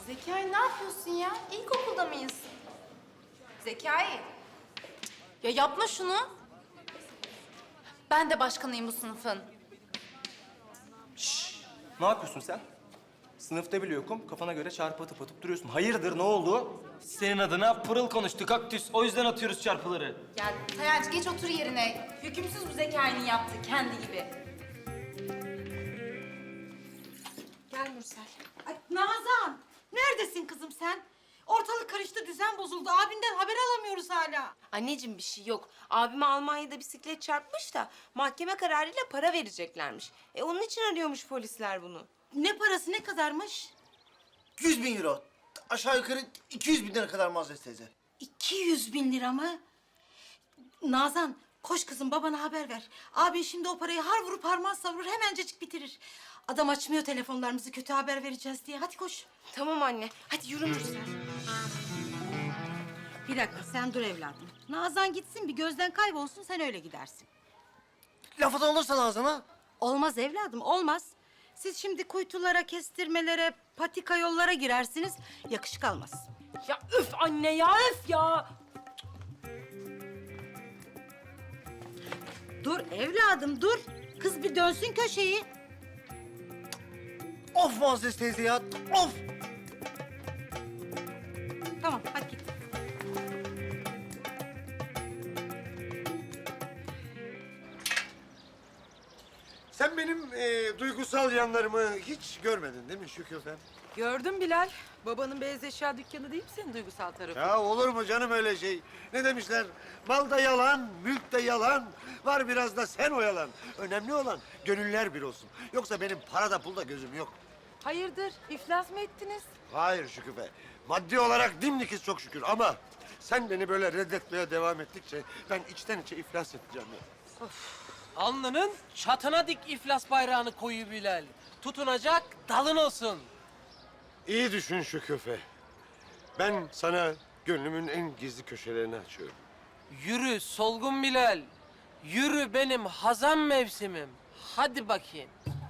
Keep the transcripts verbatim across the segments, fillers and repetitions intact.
Zekai ne yapıyorsun ya? İlkokulda mıyız? Zekai. Ya yapma şunu. Ben de başkanıyım bu sınıfın. Ne yapıyorsun sen? Sınıfta bile yokum. Kafana göre çarpı atıp atıp duruyorsun. Hayırdır, ne oldu? Senin adına pırıl konuştu kaktüs. O yüzden atıyoruz çarpıları. Ya Tayancı geç otur yerine. Hükümsüz bu Zekai'nin yaptığı kendi gibi. Gel Mürsel. Ay Nazan, neredesin kızım sen? Ortalık karıştı, düzen bozuldu. Abinden haber alamıyoruz hala. Anneciğim bir şey yok. Abime Almanya'da bisiklet çarpmış da mahkeme kararıyla para vereceklermiş. E onun için arıyormuş polisler bunu. Ne parası, ne kadarmış? yüz bin euro. Aşağı yukarı iki yüz bin lira kadar Muazzez teyze. iki yüz bin lira mı? Nazan, koş kızım babana haber ver. Abin şimdi o parayı har vurup harman savurur, hemencecik bitirir. Adam açmıyor telefonlarımızı, kötü haber vereceğiz diye. Hadi koş. Tamam anne. Hadi yürü Mürsel. Bir dakika, sen dur evladım. Nazan gitsin, bir gözden kaybolsun, sen öyle gidersin. Lafı da olursa Nazan'a. Olmaz evladım, olmaz. Siz şimdi kuytulara, kestirmelere, patika yollara girersiniz, yakışık almaz. Ya öf anne ya öf ya. Dur evladım, dur. Kız bir dönsün köşeyi. Of Muazzez teyze ya, of! Tamam, hadi git. Sen benim e, duygusal yanlarımı hiç görmedin değil mi Şükrü sen? Gördüm Bilal. Babanın beyaz eşya dükkanı değil mi senin duygusal tarafı? Ya olur mu canım öyle şey? Ne demişler? Mal da yalan, mülk de yalan. Var biraz da sen oyalan. Önemli olan gönüller bir olsun. Yoksa benim parada pulda gözüm yok. Hayırdır? İflas mı ettiniz? Hayır Şükrü. Maddi olarak dimdikiz çok şükür ama... sen beni böyle reddetmeye devam ettikçe ben içten içe iflas edeceğim ya. Alnının çatına dik iflas bayrağını koyu Bilal. Tutunacak dalın olsun. İyi düşün Şükrü. Ben sana gönlümün en gizli köşelerini açıyorum. Yürü solgun Bilal. Yürü benim hazan mevsimim. Hadi bakayım.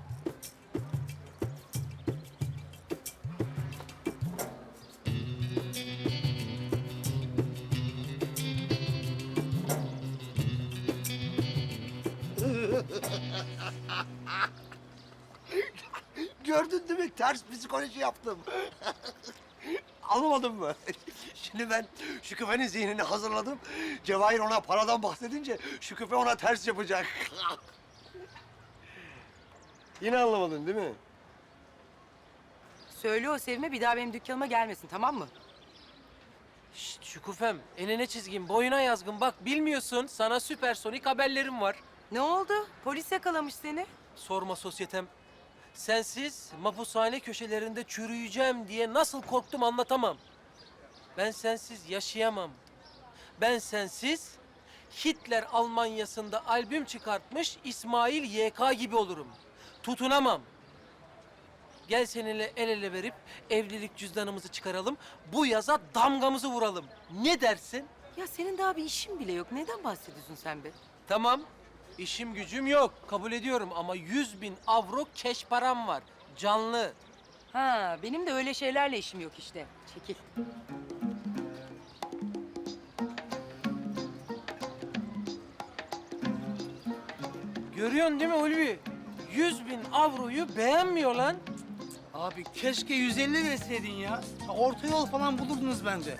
Gördün değil mi? Ters psikoloji yaptım. Anlamadın mı? Şimdi ben Şükufe'nin zihnini hazırladım. Cevahir ona paradan bahsedince Şükufe ona ters yapacak. Yine anlamadın değil mi? Söyle o Sevim'e bir daha benim dükkanıma gelmesin, tamam mı? Şşt Şükufem, enine çizgin, boyuna yazgın. Bak bilmiyorsun, sana süpersonik haberlerim var. Ne oldu? Polis yakalamış seni. Sorma sosyetem. Sensiz mapushane köşelerinde çürüyeceğim diye nasıl korktum anlatamam. Ben sensiz yaşayamam. Ben sensiz Hitler Almanyası'nda albüm çıkartmış İsmail Y K gibi olurum. Tutunamam. Gel seninle el ele verip evlilik cüzdanımızı çıkaralım. Bu yaza damgamızı vuralım. Ne dersin? Ya senin daha bir işin bile yok. Neden bahsediyorsun sen be? Tamam. İşim gücüm yok. Kabul ediyorum ama yüz bin avro keş param var. Canlı. Ha, benim de öyle şeylerle işim yok işte. Çekil. Görüyorsun değil mi Ulvi? Yüz bin avroyu beğenmiyor lan. Abi keşke yüz elli verseydin ya. Orta yol falan bulurdunuz bence.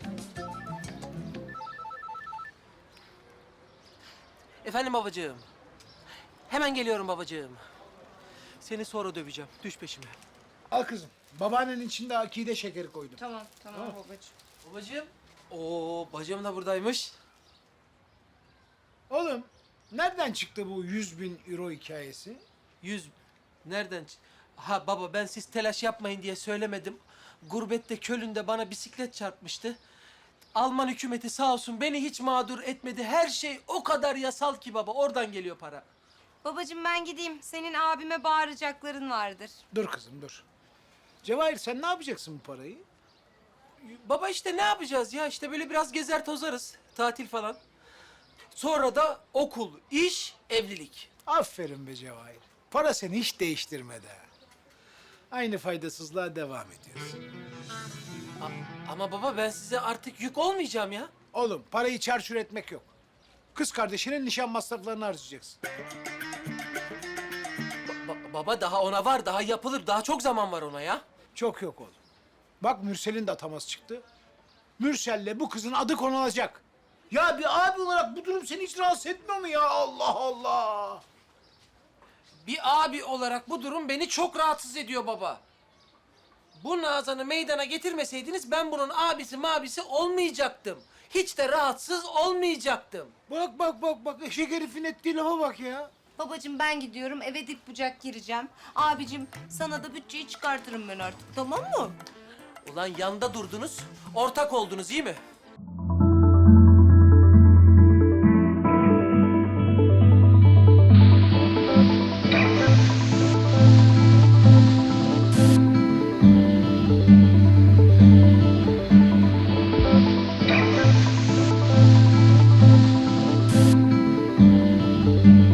Efendim babacığım. Hemen geliyorum babacığım. Seni sonra döveceğim. Düş peşime. Al kızım. Babaannenin içinde akide şekeri koydum. Tamam tamam babacığım. Babacığım. Oo, bacım da buradaymış. Oğlum nereden çıktı bu yüz bin euro hikayesi? Yüz... Nereden? ç- Ha baba ben siz telaş yapmayın diye söylemedim. Gurbette Köln'de bana bisiklet çarpmıştı. Alman hükümeti sağ olsun beni hiç mağdur etmedi. Her şey o kadar yasal ki baba. Oradan geliyor para. Babacığım ben gideyim. Senin abime bağıracakların vardır. Dur kızım dur. Cevahir sen ne yapacaksın bu parayı? Baba işte ne yapacağız ya? İşte böyle biraz gezer tozarız. Tatil falan. Sonra da okul, iş, evlilik. Aferin be Cevahir. Para seni hiç değiştirmedi ha. Aynı faydasızlığa devam ediyorsun. A- ama baba ben size artık yük olmayacağım ya. Oğlum parayı çarçur etmek yok. Kız kardeşinin nişan masraflarını harcayacaksın. Ba- baba daha ona var, daha yapılır, daha çok zaman var ona ya. Çok yok oğlum. Bak Mürsel'in de ataması çıktı. Mürsel'le bu kızın adı konulacak. Ya bir abi olarak bu durum seni hiç rahatsız etmiyor mu ya? Allah Allah! Bir abi olarak bu durum beni çok rahatsız ediyor baba. Bu Nazan'ı meydana getirmeseydiniz ben bunun abisi mabisi olmayacaktım. Hiç de rahatsız olmayacaktım. Bak bak bak bak eşek herifin ettiği lafa bak ya. Babacığım ben gidiyorum eve dip bucak gireceğim. Abicim sana da bütçeyi çıkartırım ben artık tamam mı? Ulan yanda durdunuz, ortak oldunuz iyi mi?